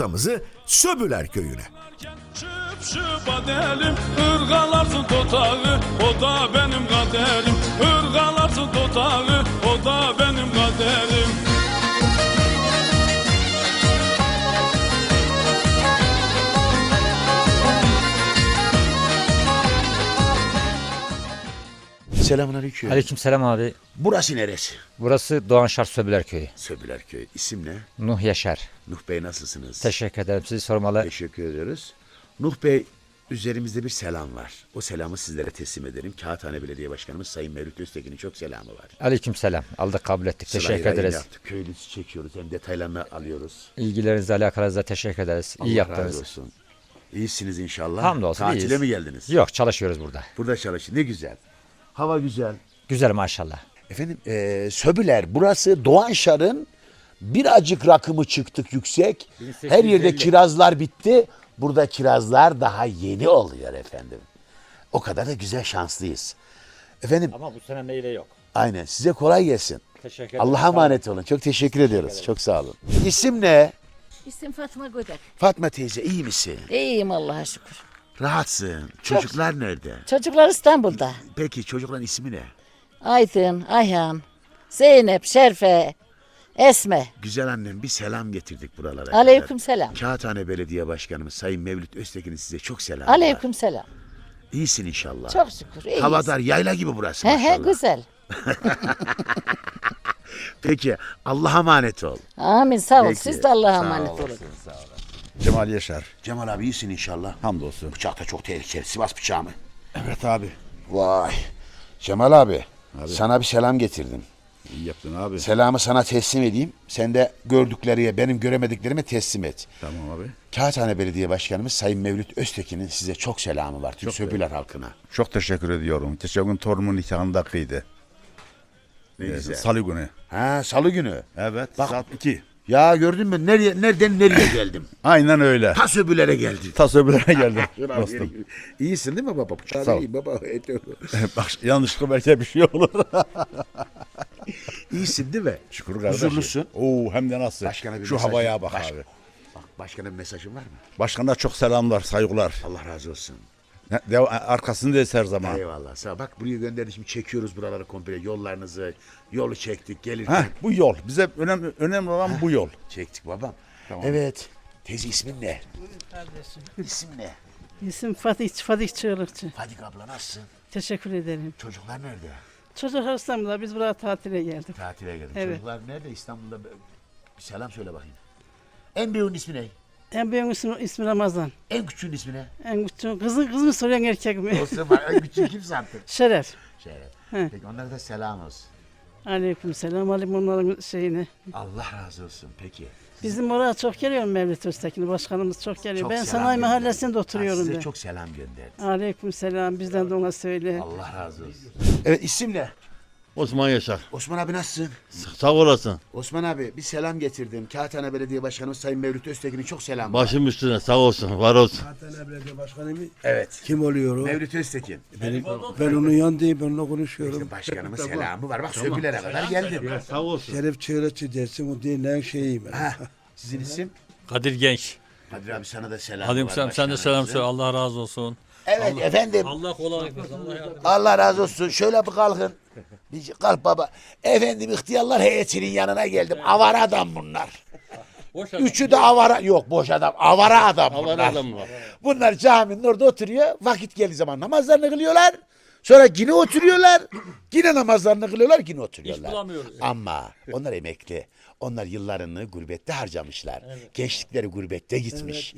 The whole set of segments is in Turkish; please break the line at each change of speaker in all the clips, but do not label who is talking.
rottamızı Söbüler Köyü'ne.
Şıp şıp adelim, ırgalarsın totağı, o da benim kaderim. Irgalarsın totağı, o da benim kaderim.
Selamünaleyküm.
Aleykümselam abi.
Burası neresi?
Burası Doğanşar Söbüler Köyü.
Söbüler Köyü. İsim ne?
Nuh Yaşar.
Nuh Bey nasılsınız?
Teşekkür ederim. Sizi sormalı.
Teşekkür ediyoruz. Nuh Bey, üzerimizde bir selam var. O selamı sizlere teslim ederim. Kağıthane Belediye Başkanımız Sayın Mevlüt Öztekin'in çok selamı var.
Aleykümselam. Aldık, kabul ettik. Teşekkür
Sırayla
ederiz.
yaptık. Köylüsü çekiyoruz. Hem detaylarını alıyoruz.
İlgilerinizle alakanızla teşekkür ederiz. İyi
Allah razı
yaptınız.
olsun. İyisiniz inşallah.
Hamdolsun
Tatile
iyiyiz.
mi geldiniz?
Yok, çalışıyoruz burada.
Burada çalışın. Ne güzel. Hava güzel.
Güzel maşallah.
Efendim Söbüler, burası Doğanşar'ın birazcık rakımı çıktık yüksek. Her yerde kirazlar bitti. Burada kirazlar daha yeni oluyor efendim. O kadar da güzel, şanslıyız. Efendim
Ama bu sene meyve yok.
aynen, size kolay gelsin.
Teşekkür ederim.
Allah'a emanet olun. Çok teşekkür ediyoruz. Çok sağ olun. İsim ne?
İsim Fatma Gödek.
Fatma teyze, iyi misin?
İyiyim Allah'a şükür.
Rahatsın. Çocuklar nerede?
Çocuklar İstanbul'da.
Peki çocukların ismi ne?
Aydın, Ayhan, Zeynep, Şerfe, Esme.
Güzel annem, bir selam getirdik buralara kadar.
Aleyküm selam.
Kağıthane Belediye Başkanımız Sayın Mevlüt Öztekin'in size çok selamı var.
Aleyküm selam.
İyisin inşallah.
Çok şükür iyiyiz.
Havadar, yayla gibi burası
He
maşallah.
he güzel.
Peki Allah'a emanet ol.
Amin sağ ol.
Peki,
Siz de Allah'a
sağ
emanet
olasın,
olun.
Cemal Yaşar.
Cemal abi iyisin inşallah.
Hamdolsun.
Bıçak da çok tehlikeli. Sivas bıçağı mı?
Evet abi.
Vay. Cemal abi, sana bir selam getirdim.
İyi yaptın abi.
Selamı sana teslim edeyim. Sen de gördüklerine, benim göremediklerime teslim et.
Tamam abi.
Kağıthane Belediye Başkanımız Sayın Mevlüt Öztekin'in size çok selamı var. Tüm Söbüler halkına.
Çok teşekkür ediyorum. Geçen gün torunumun nikahında kıydı.
Ne güzel.
Salı günü.
Ha, salı günü.
Evet.
Bak-
Saat 2.
Ya gördün mü? Nereden nereye geldim?
Aynen öyle.
Ta Söbüler'e geldim.
Tas öbürüne geldim dostum.
İyisin değil mi baba? Bıçağı
Sağ ol.
iyi baba.
Bak yanlışlıkla belki bir şey olur.
İyisin değil mi?
Şükür kardeşim.
Huzurlusun.
Oo hem de nasıl?
Başkana bir
Şu
mesajın-
havaya bak
Baş-
abi.
Bak başkana bir mesajın var mı?
Başkana çok selamlar, saygılar.
Allah razı olsun.
Arkasındayız her zaman.
Eyvallah. Sağ ol. Bak buraya gönderdik, şimdi çekiyoruz buraları komple, yollarınızı. Yolu çektik gelirken.
Heh, bu yol. Bize önemli olan bu yol.
Çektik babam.
Tamam.
Evet. Teyze ismin ne? İsim ne?
İsim Fatih Çığlıkçı.
Fadik abla nasılsın?
Teşekkür ederim.
Çocuklar nerede?
Çocuklar İstanbul'da, biz buraya tatile geldik.
Tatile geldim.
Evet.
Çocuklar nerede? İstanbul'da. Bir selam söyle bakayım. En büyüğün ismi ne?
En büyük ismi Ramazan.
En küçüğün ismi ne?
En küçük kız mı soruyorsun erkek mi?
Olsun var. En küçüğü kimse artık.
Şeref.
Şeref.
He.
Peki onlara da selam olsun.
Aleyküm selam. Alayım onların şeyini.
Allah razı olsun. Peki.
Bizim oraya çok geliyor Mevlüt Öztekin. Başkanımız çok geliyor.
Çok
ben
selam
sanayi
gönderdi.
mahallesinde oturuyorum
Size
ben.
çok selam gönderdi.
Aleyküm selam. Bizden de ona söyle.
Allah razı olsun. Evet, isim ne?
Osman Yaşar.
Osman abi nasılsın?
Sağ olasın.
Osman abi bir selam getirdim. Kağıthane Belediye Başkanımız Sayın Mevlüt Öztekin'in çok selamı var.
Başım üstüne sağ olsun, var olsun.
Kağıthane Belediye Başkanı mı?
Evet.
Kim oluyor o?
Mevlüt Öztekin.
Ben onun yanındayım, ben onunla konuşuyorum.
İşte başkanımın selamı var. Bak Söbüler'e kadar geldim.
Sağ olsun.
Şeref Çığlıkçı dersin, o dinleyen şeyim ben.
Ha, sizin isim?
Kadir Genç.
Kadir abi sana da selam
Halim
var.
sen de selam
başkanımızın.
söyle. Allah razı olsun.
Evet efendim.
Allah kolaylık versin. Allah yardım etsin.
Allah razı olsun. Şöyle bir kalkın. Bir kalk baba. Efendim ihtiyarlar heyetinin yanına geldim. Avara adam bunlar.
Boş adam.
Üçü de avara. Yok boş adam. Avara adam bunlar.
Avara adam var.
Bunlar caminin orada oturuyor. Vakit geldiği zaman namazlarını kılıyorlar. Sonra yine oturuyorlar. Yine namazlarını kılıyorlar. Yine oturuyorlar.
İş bulamıyoruz.
Ama onlar emekli. Onlar yıllarını gurbette harcamışlar. Gençlikleri gurbette gitmiş.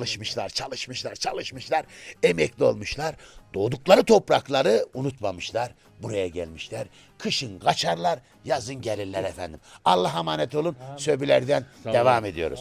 Çalışmışlar. Emekli olmuşlar. Doğdukları toprakları unutmamışlar. Buraya gelmişler. Kışın kaçarlar, yazın gelirler efendim. Allah'a emanet olun. Söbülerden devam ediyoruz.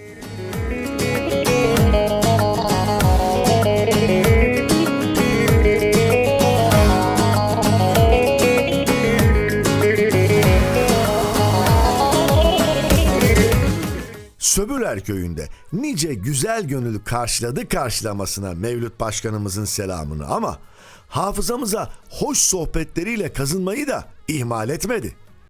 Söbüler Köyü'nde nice güzel gönüllü karşılamasına Mevlüt Başkanımızın selamını, ama hafızamıza hoş sohbetleriyle kazınmayı da ihmal etmedi.